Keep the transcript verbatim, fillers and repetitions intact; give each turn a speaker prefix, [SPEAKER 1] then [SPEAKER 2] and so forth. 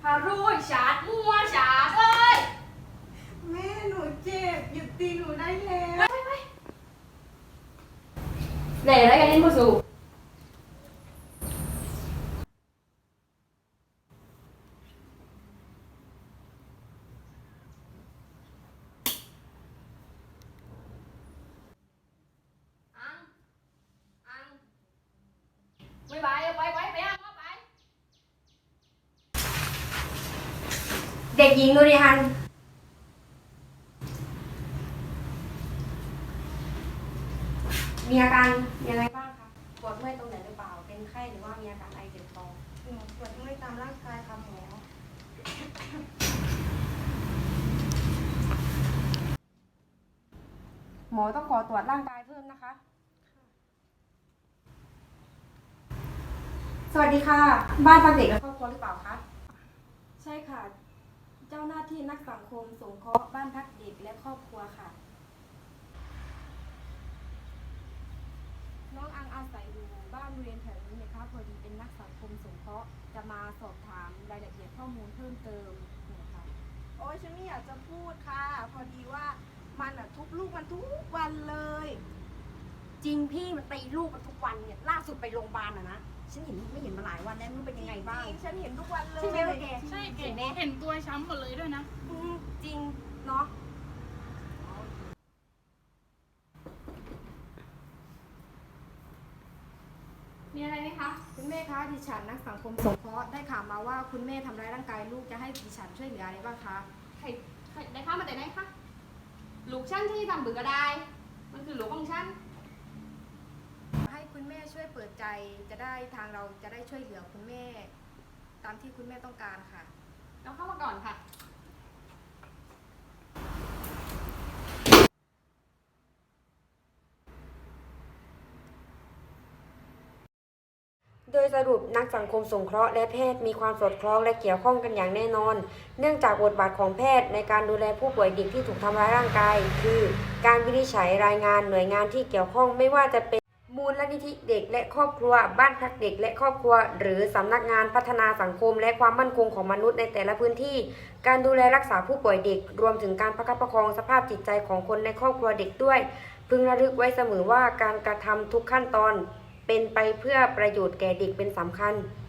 [SPEAKER 1] ารุ่ยชาดมัวชาดเอ้ย
[SPEAKER 2] แม่หนูเจ็บหยุดตีหนูได้แล้ว
[SPEAKER 1] ไปไปไหนอะไรกันนี่ผู้สูอังอังไม่ไปไปไปไปอ่ะไปเด็กหญิงนูริฮันมีอาการยังไงบ้างคะปวดเมื่อยตรงไหนหรือเปล่าเป็นไข้หรือว่ามีอาการไอเจ็บคอ
[SPEAKER 2] หนูปวดเมื่อยตามร่างกายค่ะหมอ
[SPEAKER 1] หมอต้องขอตรวจร่างกายเพิ่มนะคะสวัสดีค่ะบ้านพักเด็กและครอบครัวหรือเปล่าคะใช่ค่ะเจ้าหน้าที่นักสังคมสงเคราะห์บ้านพักเด็กและครอบครัวค่ะน้องอังอาศัยอยู่บ้านเรียนแถวนี้นะคะพอดีเป็นนักสังคมสงเคราะห์จะมาสอบถามรายละเอียดข้อมูลเพิ่มเติมนะคะ
[SPEAKER 2] โอ้ยฉันไม่อยากจะพูดค่ะ พอดีว่ามันอะทุบลูกมันทุกวันเลย
[SPEAKER 1] จริงพี่มันตีลูกมันทุกวันเนี่ยล่าสุดไปโรงพยาบาลอะนะฉันเห็นไม่เห็นมาหลายวันแล้วไม่รู้เป็นยังไงบ้าง
[SPEAKER 2] จริงฉันเห็นทุกวันเลย
[SPEAKER 1] ใช่ไหมวะแก
[SPEAKER 3] ใช่เก๋เห็นตัวช้ำหมดเลยด้วยนะ
[SPEAKER 1] อืมจริงเนาะมีอะไรไหมคะคุณแม่คะดิฉันนักสังคมสงเคราะห์ได้ข่าวมาว่าคุณแม่ทำร้ายร่างกายลูกจะให้ดิฉันช่วยเหลืออะไรบ้างคะใครใครได้ข่าวมาแต่ไหนคะลูกฉันที่ทำเบื่อก็ได้ มันคือลูกของฉันให้คุณแม่ช่วยเปิดใจจะได้ทางเราจะได้ช่วยเหลือคุณแม่ ตามที่คุณแม่ต้องการค่ะเราเข้ามาก่อนค่ะ
[SPEAKER 4] โดยสรุปนักสังคมสงเคราะห์และแพทย์มีความสอดคล้องและเกี่ยวข้องกันอย่างแน่นอน เนื่องจากบทบาทของแพทย์ในการดูแลผู้ป่วยเด็กที่ถูกทำร้ายร่างกาย คือการวินิจฉัยรายงานหน่วยงานที่เกี่ยวข้องไม่ว่าจะเป็นมูลนิธิเด็กและครอบครัวบ้านพักเด็กและครอบครัวหรือสำนักงานพัฒนาสังคมและความมั่นคงของมนุษย์ในแต่ละพื้นที่การดูแลรักษาผู้ป่วยเด็กรวมถึงการประคับประคองสภาพจิตใจของคนในครอบครัวเด็กด้วยพึงระลึกไว้เสมอว่าการกระทำทุกขั้นตอนเป็นไปเพื่อประโยชน์แก่เด็กเป็นสำคัญ